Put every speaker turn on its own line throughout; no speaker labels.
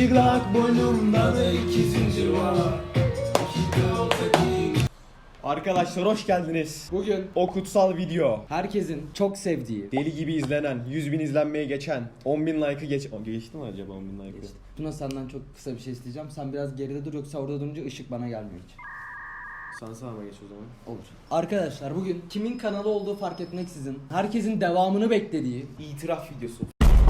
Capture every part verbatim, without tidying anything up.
Çıplak boynumda da iki zincir var. Arkadaşlar hoş geldiniz.
Bugün
O kutsal video,
herkesin çok sevdiği,
deli gibi izlenen, yüz bin izlenmeye geçen, on bin like'ı geç... O, geçti mi acaba on bin like'ı?
Tuna senden çok kısa bir şey isteyeceğim. Sen biraz geride dur, yoksa orada durunca ışık bana gelmiyor hiç.
Sen sağıma geç o zaman.
Olur. Arkadaşlar bugün kimin kanalı olduğu fark etmeksizin herkesin devamını beklediği
İtiraf videosu.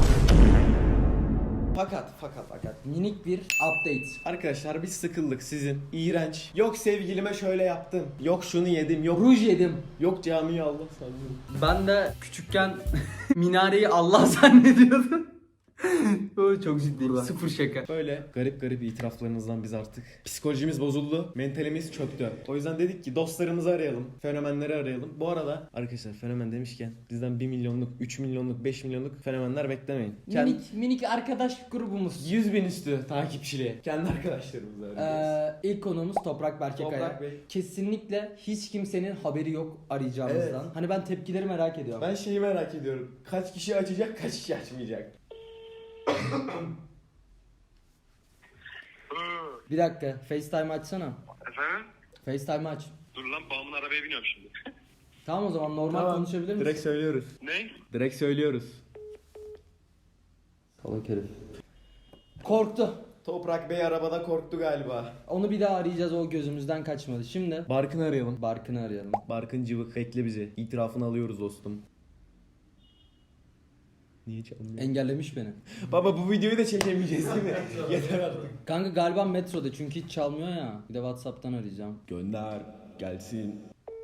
Fakat fakat fakat
minik bir update.
arkadaşlar biz sıkıldık sizin iğrenç. Yok sevgilime şöyle yaptım. Yok şunu yedim. Yok
Ruj yedim.
yok camiyi Allah sandım.
Ben de küçükken minareyi Allah zannediyordum. O çok ciddi. Sıfır şaka.
Böyle garip garip itiraflarınızdan biz artık psikolojimiz bozuldu, mentalimiz çöktü. O yüzden dedik ki dostlarımızı arayalım, fenomenleri arayalım. Bu arada arkadaşlar fenomen demişken bizden bir milyonluk, üç milyonluk, beş milyonluk fenomenler beklemeyin. Kendi
Minik minik arkadaş grubumuz.
yüz bin üstü takipçili. Kendi arkadaşlarımızı arayacağız.
Ee, ilk konuğumuz Toprak Berkekaya.
Toprak Bey.
Kesinlikle hiç kimsenin haberi yok arayacağımızdan.
Evet.
Hani ben tepkileri merak ediyorum.
Ben şeyi merak ediyorum. Kaç kişi açacak, kaç kişi açmayacak?
Bir dakika, FaceTime açsana.
Efendim?
FaceTime aç.
Dur lan, babamın arabaya biniyorum şimdi.
Tamam o zaman normal
Tamam,
konuşabilir misin?
direkt söylüyoruz.
Ne?
Direkt söylüyoruz.
Salak herif. Korktu.
Toprak Bey arabada korktu galiba.
Onu bir daha arayacağız, o gözümüzden kaçmadı. Şimdi
Barkın'ı arayalım.
Barkın'ı arayalım.
Barkın cıvık bekle bizi. İtirafını alıyoruz dostum. Niye çalmıyor?
Engellemiş beni.
Baba bu videoyu da çekemeyeceğiz değil mi? Yeter artık.
Kanka galiba metroda, çünkü hiç çalmıyor ya. Bir de WhatsApp'tan arayacağım.
Gönder. Gelsin.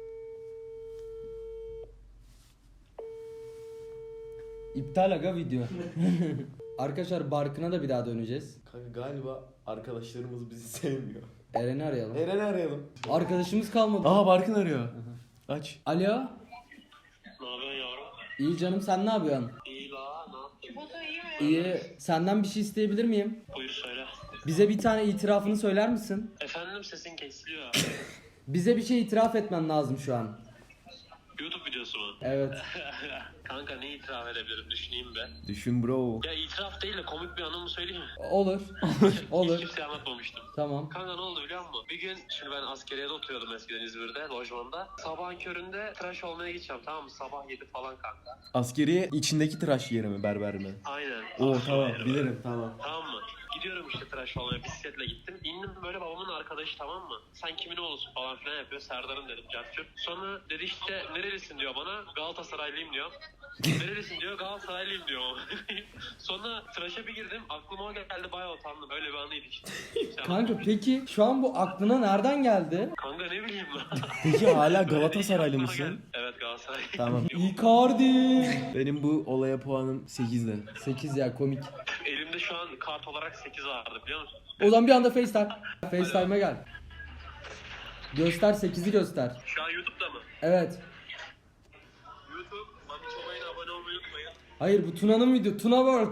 İptal aga video. Arkadaşlar Barkın'a da bir daha döneceğiz.
Kanka galiba arkadaşlarımız bizi sevmiyor.
Eren'i arayalım.
Eren'i arayalım.
Arkadaşımız kalmadı.
Aa Barkın arıyor. Aç.
Alo.
Ne yapıyorsun yavrum?
İyi canım, sen ne yapıyorsun?
İyi la, ne yaptın?
İyi. Senden bir şey isteyebilir miyim?
Buyur söyle.
Bize bir tane itirafını söyler misin?
Efendim, sesin kesiliyor.
Bize bir şey itiraf etmen lazım şu an.
YouTube videosu mu?
Evet.
Kanka ne itiraf edebilirim, düşüneyim be.
Düşün bro.
Ya itiraf değil de komik bir anımı söyleyeyim mi?
Olur.
Hiç
Olur.
kimseye anlatmamıştım.
Tamam.
Kanka ne oldu biliyor musun? Bir gün, şimdi ben askeriyede oturuyordum eskiden İzmir'de, lojmanda. Sabahın köründe tıraş olmaya gideceğim, tamam mı? Sabah yedi falan kanka.
Askeri içindeki tıraş yeri mi, berber mi?
Aynen.
Oo tamam
Aynen.
bilirim tamam.
Tamam mı? Gidiyorum işte tıraş olmaya, bisikletle gittim. İndim, böyle babamın arkadaşı, tamam mı? Sen kimin oğlusun falan filan yapıyor. Serdar'ım dedim, Cartçur. Sonra dedi işte nerelisin diyor bana. Galatasaraylıyım diyor. Nerelisin diyor, Galatasaraylıyım diyor. Sonra tıraşa bir girdim, aklıma o geldi, bayağı utandım. Öyle bir anıydı işte. Kimse
Kanka
anlatmamış.
peki şu an bu aklına nereden geldi?
Kanka ne bileyim lan.
Peki hala
Öyle
Galatasaraylı
aklıma
mısın?
geldi. Evet, Galatasaray.
Tamam.
Icardi.
Benim bu olaya puanım sekizde.
sekiz ya, komik.
Elimde şu an kart olarak sekiz vardı, biliyor musun?
O zaman bir anda FaceTime. FaceTime'a gel. Göster, sekizi göster.
Şu an YouTube'da mı?
Evet.
YouTube, Mami Çobay'ına abone olmayı unutmayın.
Hayır, bu Tuna'nın video. Tuna World.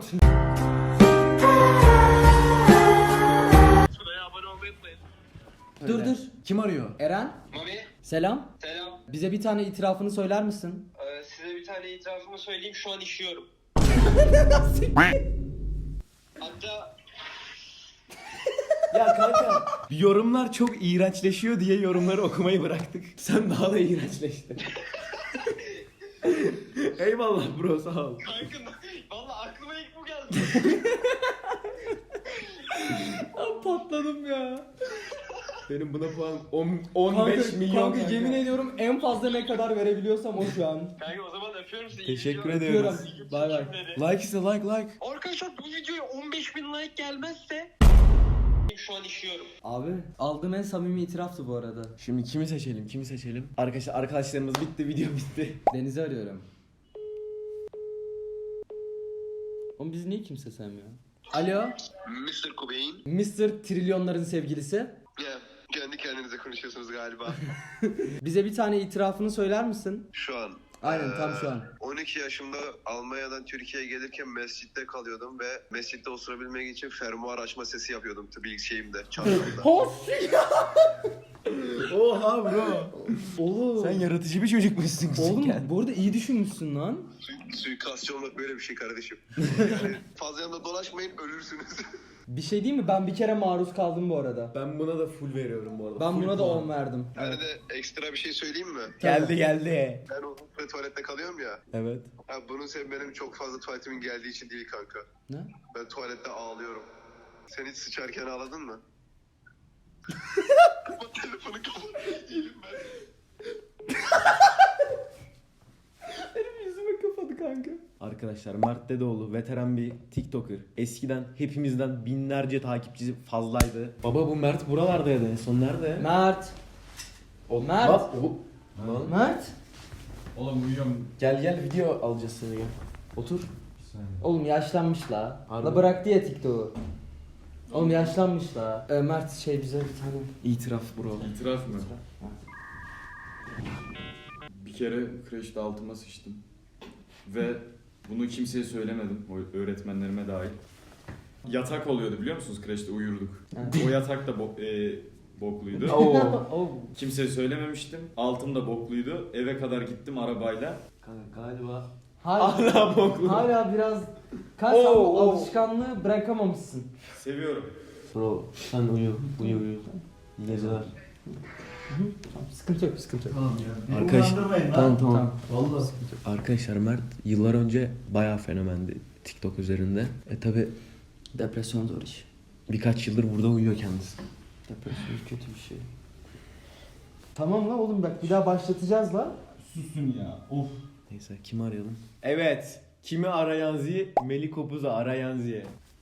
Tuna'ya abone olmayı unutmayın.
Dur dur.
Kim arıyor?
Eren.
Mami,
Selam.
selam.
Bize bir tane itirafını söyler misin?
Ee, size bir tane itirafımı söyleyeyim. Şu an işiyorum. Hatta
Ya kanka yorumlar çok iğrençleşiyor diye yorumları okumayı bıraktık. Sen daha da iğrençleştin. Eyvallah bro, sağ ol.
kanka valla aklıma ilk bu geldi.
Ben patladım ya.
Benim buna puan on, on beş
Kanka,
milyon.
kanka yemin ediyorum en fazla ne kadar verebiliyorsam o şu an.
Kanka o zaman öpüyorum sizi.
Teşekkür
İyi
ediyoruz.
Öpüyorum. Bay bay.
videolar.
Like ise like like.
Arkadaşlar bu videoya on beş bin like gelmezse şu an işiyorum.
Abi aldığım en samimi itiraftı bu arada.
Şimdi kimi seçelim? Kimi seçelim? Arkadaşlar arkadaşlarımız bitti, video bitti.
Deniz'i arıyorum. Oğlum biz niye kimse sevmiyor? Alo.
mister Cobain.
mister Trilyonların sevgilisi.
Ya kendi kendinize konuşuyorsunuz galiba.
Bize bir tane itirafını söyler misin?
Şu an.
Aynen, tam şu an.
on iki yaşımda Almanya'dan Türkiye'ye gelirken mescitte kalıyordum ve mescitte osurabilmek için fermuar açma sesi yapıyordum tabii şeyimde, çantamda.
Of ya.
Oha bro.
Oğlum.
Sen yaratıcı bir çocukmuşsun
Oğlum
küçükken.
bu arada iyi düşünmüşsün lan.
Su- suikastçı olmak böyle bir şey kardeşim. Yani fazla yanında dolaşmayın, ölürsünüz.
Bir şey değil mi? Ben bir kere maruz kaldım bu arada.
Ben buna da full veriyorum bu arada.
Ben
Full
buna da
puan.
on verdim.
Yani de ekstra bir şey söyleyeyim mi?
Geldi geldi.
Ben uzun süre tuvalette kalıyorum ya.
Evet.
Ha, bunun sebebi benim çok fazla tuvaletimin geldiği için değil kanka.
Ne?
Ben tuvalette ağlıyorum. Sen hiç sıçarken ağladın mı? Kapat telefonu kapat. Değilim ben.
Benim yüzüme kapadı kanka. Arkadaşlar Mert Dedeoğlu veteran bir TikToker. Eskiden hepimizden binlerce takipçisi fazlaydı. Baba bu Mert buralardaydı en son nerede?
Mert.
O,
Mert.
Bak, o- Lan.
Mert.
Oğlum uyuyorum.
Gel gel video alacağız seni gel. Otur.
Oğlum yaşlanmış la.
Harbi.
La bıraktı ya TikTok'u. Oğlum yaşlanmış la. Ee, Mert şey bize bir tane.
İtiraf bro.
İtiraf mı? Bir kere kreşte altıma sıçtım. Ve bunu kimseye söylemedim. O öğretmenlerime dahil. Yatak oluyordu biliyor musunuz? Kreşte uyurduk.
Evet.
O yatak da bo- e, bokluydu.
Oo.
Kimseye söylememiştim. Altım da bokluydu. Eve kadar gittim arabayla.
Kanka galiba.
Hala,
Hala boklu.
hala biraz kaç sen
Oo,
bu
oo.
alışkanlığı bırakamamışsın.
Seviyorum.
Bro sen uyu. Uyu uyu. İyi geceler.
Tamam, sıkıntı yok, sıkıntı yok.
Arkadaş, tamam tamam.
Vallahi.
Arkadaşlar Mert yıllar önce bayağı fenomendi TikTok üzerinde. E tabi
Depresyon zor iş.
birkaç yıldır burada uyuyor kendisi.
Depresyon kötü bir şey. Tamam la oğlum bak bir daha başlatacağız la.
Susun ya. Of.
Neyse kimi arayalım? Evet. Kimi arayan zi? Melikopuz'u arayan zi.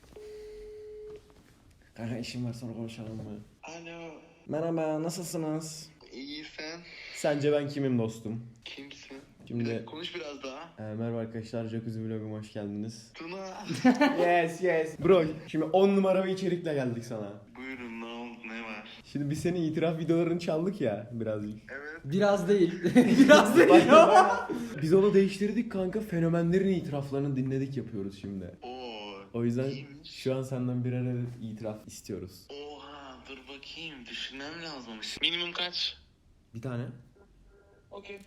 Kanka işim var sonra konuşalım mı?
Alo.
Merhaba nasılsınız?
İyi sen?
Sence ben kimim dostum?
Kimsin?
Şimdi
Konuş biraz daha.
e, merhaba arkadaşlar Jacuzzi Vlog'uma hoş geldiniz.
Tuna.
Yes yes. Bro şimdi on numara bir içerikle geldik sana.
Buyurun ne oldu ne var?
Şimdi biz senin itiraf videolarını çaldık ya birazcık.
Evet.
Biraz değil. Biraz değil.
Biz onu değiştirdik kanka. Fenomenlerin itiraflarını dinledik yapıyoruz şimdi.
Oo.
O yüzden
iyiymiş.
şu an senden birer adet itiraf istiyoruz.
Oha dur bakayım düşünmem lazımmış. Minimum kaç?
Bir tane.
Okey.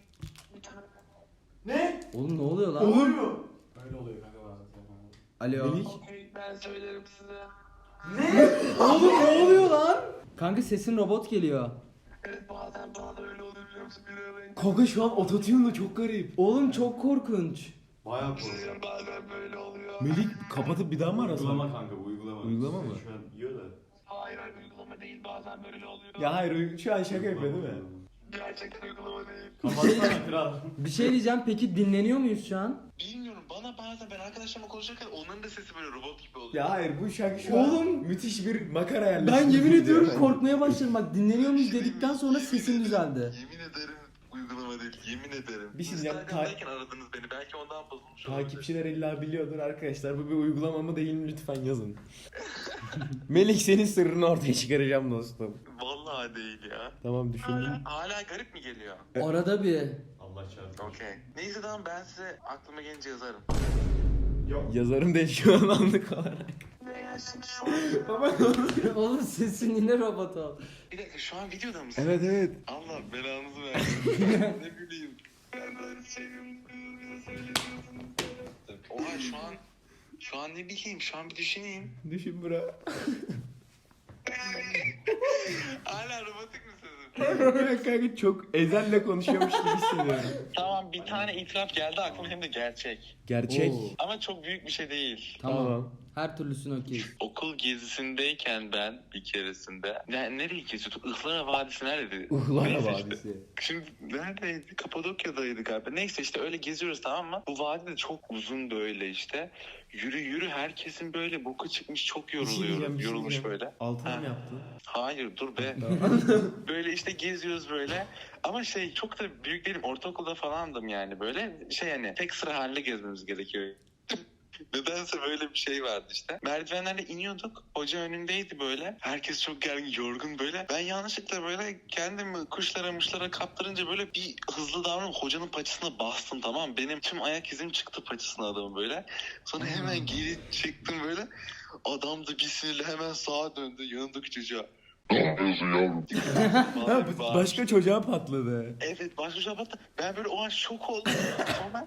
Oğlum ne oluyor lan?
Olur mu?
Öyle oluyor kanka bazen.
Alo.
Melik.
Okey ben söylerim size.
Oğlum ne oluyor lan? Kanka sesin robot geliyor.
Evet bazen bana da öyle oluyor biliyor musun? Bir arayın.
Kanka şu an ototune'la çok garip.
Oğlum çok korkunç.
Bayağı
Sizin bazen böyle oluyor.
Melik kapatıp bir daha mı arasan?
Uygulama kanka bu uygulama.
Uygulama mı?
Şu an yiyor da.
Hayır hayır uygulama değil bazen böyle oluyor.
Ya hayır şu an şaka yapıyor değil mi?
Gerçekten uygulama değil.
Kapatsana kral.
Bir şey diyeceğim peki dinleniyor muyuz şu an?
Bilmiyorum bana bazen ben arkadaşlarımla konuşurken onların da sesi böyle robot gibi oluyor.
Ya hayır bu şarkı şu
Oğlum.
an müthiş bir makara yerleştirdi.
Ben yemin ediyorum korkmaya başladım bak dinleniyor muyuz dedikten sonra sesin düzeldi.
Yemin ederim uygulama değil yemin ederim.
Bir şey diyeceğim,
Instagram'dayken aradınız beni belki ondan bozulmuş olabilir.
Takipçiler illa biliyordur arkadaşlar. Bu bir uygulama mı değil mi lütfen yazın. Melik senin sırrını ortaya çıkaracağım dostum.
Vallahi değil ya.
Tamam düşündüm.
Hala, hala garip mi geliyor?
Arada bir.
Allah çarpsın.
Okey. Neyse tamam ben size aklıma gelince yazarım.
Yazarım değil şu an anlık olarak.
Ne yersin şu
Baba
Oğlum sesin yine robot oldu.
Bir dakika şu an videoda mısın?
Evet evet.
Allah belanızı versin. ne bileyim. Ben böyle seviyorum. Bize söylemiyorsunuz. Oha şu an şu an ne bileyim şu an bir düşüneyim.
Düşün bro.
Hala robotik misiniz?
Kanka çok ezelle konuşuyormuş gibi hissediyorum.
Tamam bir tane itiraf geldi aklıma hem de gerçek.
Gerçek.
Oo.
Ama çok büyük bir şey değil.
Tamam.
Tamam.
Her türlüsünü okey.
Okul gezisindeyken ben bir keresinde ne, nereye geziyorduk? Ihlara Vadisi neredeydi?
Uhlara
Neyse işte.
Vadisi.
Şimdi neredeydi? Kapadokya'daydı galiba. Neyse işte öyle geziyoruz tamam mı? Bu vadi de çok uzun böyle işte. Yürü yürü herkesin böyle boku çıkmış çok
Bir şey
yoruluyor.
diyeceğim, bir şey
yorulmuş
diyeceğim.
böyle.
Altına
Ha.
mı yaptın?
Hayır dur be. Böyle işte geziyoruz böyle. Ama şey çok da büyük değilim. Ortaokulda falandım yani böyle. Şey hani tek sıra halinde gezmemiz gerekiyor. Nedense böyle bir şey vardı işte. Merdivenlerle iniyorduk. Hoca önündeydi böyle. Herkes çok gergin, yorgun böyle. Ben yanlışlıkla böyle kendimi kuşlara muşlara kaptırınca böyle bir hızlı davranıp hocanın paçasına bastım tamam mı? Benim tüm ayak izim çıktı paçasına adamın böyle. Sonra hemen geri çıktım böyle. Adam da bir sinirle hemen sağa döndü yanındaki çocuğa.
Ha,
Vallahi
bu başka çocuğa patladı.
Evet başka şey yaptı. Ben böyle o an şok oldum. Sonra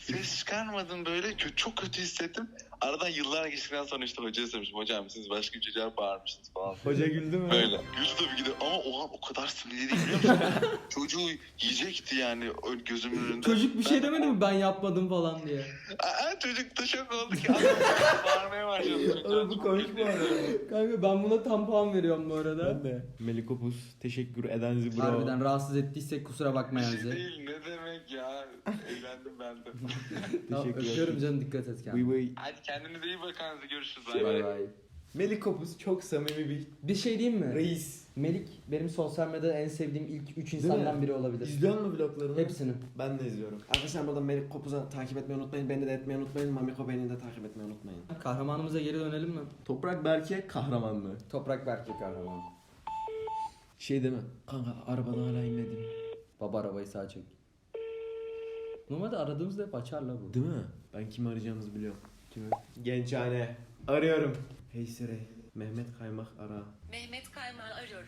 Ses çıkarmadım böyle. Kö- çok kötü hissettim. Aradan yıllar geçtikten sonra işte hocaya söylemiştim. Hocam siz başka bir çocuğa bağırmışsınız falan.
Hoca güldü mü?
Böyle. Güldü tabii ki de ama o an o kadar sinirliydi biliyor musun? Çocuğu yiyecekti yani ö- gözümün önünde.
Çocuk bir şey
Ben de-
demedi mi ben yapmadım falan diye.
Aa, çocuk da şok oldu ki. Adam bağırmaya başladı.
Oğlum bu komik bu arada.
Kanka ben buna tam puan veriyorum bu arada.
Ben de. Melikopus teşekkür edenizi bro.
Harbiden rahatsız ettiysek kusura bakmayın
Bir şey
bize.
değil ne demek ya. Eğlendim ben de.
Tamam,
Teşekkürler.
öpüyorum canım, dikkat et
Vıy
kendine.
vıy.
Hadi kendinize iyi bakın. Görüşürüz.
Bay
Bay bay.
Melikopus çok samimi bir
Bir şey diyeyim mi?
reis.
Melik benim sosyal medyada en sevdiğim ilk üç
mi?
insandan biri olabilir.
İzliyor musun vloglarını?
Hepsini.
Ben de izliyorum. Arkadaşlar burada Melikopus'u takip etmeyi unutmayın. Beni de etmeyi unutmayın. Mamiko beni de takip etmeyi unutmayın.
Kahramanımıza geri dönelim mi?
Toprak Berke kahraman mı?
Toprak Berke kahraman.
Şey değil mi? Kanka arabadan hala inmedim.
Baba arabayı sağa çek. Normalde aradığımızda hep açar la bu.
Değil mi? Ben kimi arayacağımızı biliyorum. Kimi? Gençhane. Arıyorum. Hey Siri. Mehmet Kaymak ara.
Mehmet Kaymak'ı arıyorum.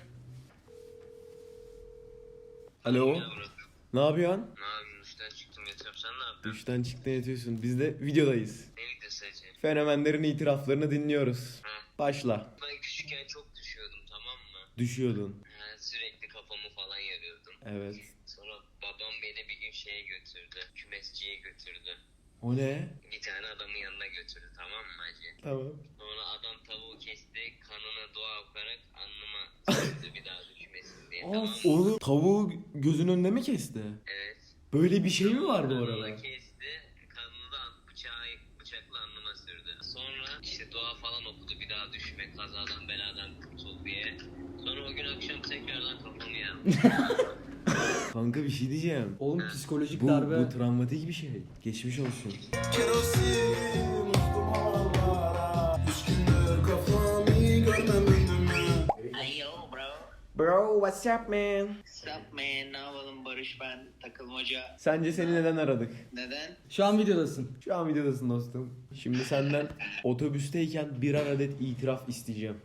Alo. Ne yapıyorsun?
Ne yapayım, işten çıktım yatıyorum, sen ne yapıyorsun?
Duştan çıktın yatıyorsun. Biz de videodayız.
Ne videosu Ece?
Fenomenlerin itiraflarını dinliyoruz.
Hı.
Başla.
Ben küçükken çok düşüyordum, tamam mı?
Düşüyordun.
Ha, sürekli kafamı falan yarıyordum.
Evet.
Sonra babam beni bir gün şeye götürdü, kümesçiye götürdü.
O ne?
Bir tane adamın yanına götürdü, tamam mı hacı?
Tamam.
Sonra adam tavuğu kesti, kanına dua okuyarak alnıma sürdü bir daha düşmesin diye, tamam mı?
Oğlum tavuğu gözün önünde mi kesti?
Evet.
Böyle bir şey mi var bu
Kanını
arada?
kesti, kanını da bıçağı, bıçakla alnıma sürdü. Sonra işte dua falan okudu, bir daha düşme, kazadan beladan kurtul diye. Sonra o gün akşam tekrardan kafamı yardım.
Kanka bir şey diyeceğim.
Oğlum psikolojik
Bu,
darbe.
bu travmatik bir şey. Geçmiş olsun.
Ayo bro.
Bro, what's up man?
What's up man? Ne yapalım Barış ben takılmaca.
Sence seni neden aradık?
Neden?
Şu an videodasın.
Şu an videodasın dostum. Şimdi senden otobüsteyken birer adet itiraf isteyeceğim.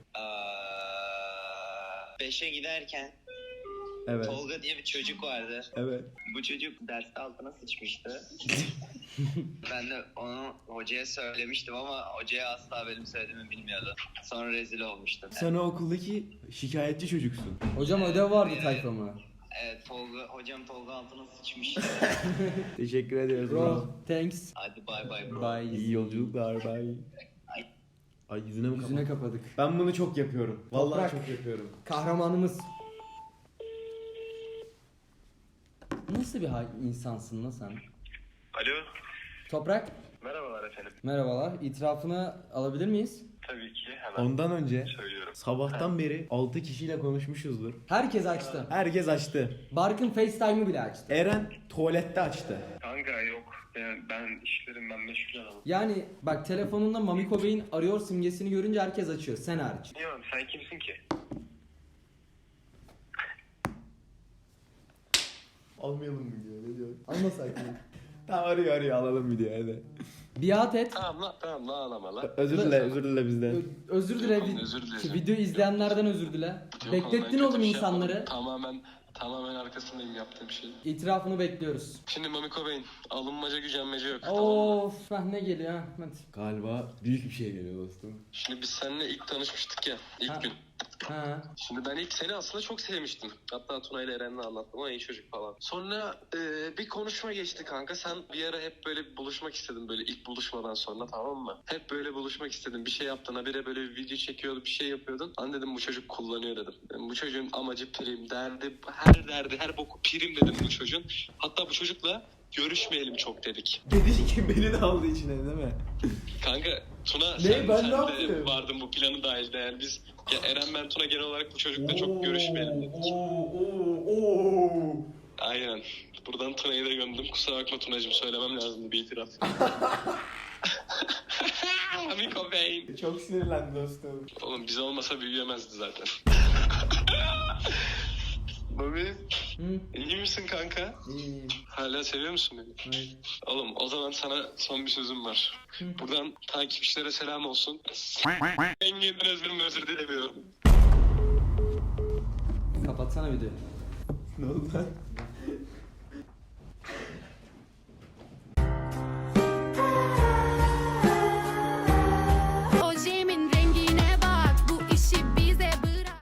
Aa, beşe giderken
Evet.
Tolga diye bir çocuk vardı.
Evet.
Bu çocuk derste altına sıçmıştı. Ben de onu hocaya söylemiştim ama hocaya asla benim söylediğimi bilmiyordu. Sonra rezil olmuştum.
Sen o okuldaki şikayetçi çocuksun.
Hocam ödev vardı tayfama.
Evet Tolga, hocam Tolga altına sıçmış.
Teşekkür ediyoruz.
Bro, thanks.
Hadi bay bay bro.
Bye.
İyi yolculuklar. Bye. Ay yüzüne mi
Yüzüne
kapat?
kapadık.
Ben bunu çok yapıyorum. Vallahi
Toprak.
çok yapıyorum.
Kahramanımız. Nasıl bir ha- insansın lan sen?
Alo.
Toprak.
Merhabalar efendim.
Merhabalar. İtirafını alabilir miyiz?
Tabii ki hemen
Ondan önce
söylüyorum.
sabahtan beri altı kişiyle konuşmuşuzdur.
Herkes açtı.
Herkes açtı.
Barkın FaceTime'ı bile açtı.
Eren tuvalette açtı.
Kanka yok. Ben, ben işlerimden meşgul adamım.
Yani bak telefonunda Mamiko Bey'in arıyor simgesini görünce herkes açıyor. Sen hariç.
Niye oğlum sen kimsin ki?
Almayalım mı diyor? Ne diyor?
Almasak mı?
Tamam arıyor arıyor alalım video hadi.
Biat et.
Tamam lan tamam lan ağlama lan.
Özür dile özür dile bizden.
Ö- özür dile.
Yok oğlum,
Vi-
özür dilerim.
Ki video izleyenlerden özür dile.
Yok
Beklettin
oğlum, ben
oğlum
kötü bir şey
insanları.
yapmadım. Tamamen tamamen arkasındayım yaptığım şey.
İtirafını bekliyoruz.
Şimdi Mamiko Bey'in alınmaca gücenmece yok. Tamam mı?
Of, heh, ne geliyor ha? Hadi.
Galiba büyük bir şey geliyor dostum.
Şimdi biz seninle ilk tanışmıştık ya ilk
Ha.
gün.
Ha.
Şimdi ben ilk seni aslında çok sevmiştim. Hatta Tuna ile Eren'le anlattım ama iyi çocuk falan. Sonra e, bir konuşma geçti kanka. Sen bir ara hep böyle buluşmak istedin böyle ilk buluşmadan sonra, tamam mı? Hep böyle buluşmak istedin. Bir şey yaptın. Habire böyle bir video çekiyordu, bir şey yapıyordun. Hani dedim bu çocuk kullanıyor dedim. Yani bu çocuğun amacı prim, derdi, her derdi, her boku prim dedim bu çocuğun. Hatta bu çocukla görüşmeyelim çok dedik.
Dedi ki beni de aldı içine değil mi?
Kanka Tuna
Ne?
sen,
Ben
sen
ne
de
yaptım?
vardın bu planı dahilde yani biz ya Eren ben Tuna genel olarak bu çocukla çok görüşmeyelim dedik.
Oo, oo, oo.
Aynen. Buradan Tuna'yı da gömdüm. Kusura bakma Tuna'cığım söylemem lazımdı bir itiraf. Mamiko Bey.
Çok sinirlendi dostum.
Oğlum biz olmasa büyüyemezdi zaten. Bobby
Hı?
iyi misin kanka?
İyi.
Hala seviyor musun beni?
Hayır.
Oğlum o zaman sana son bir sözüm var. Buradan takipçilere selam olsun. Engin'den özür özür dilemiyorum.
Kapatsana videoyu.
Ne oldu lan?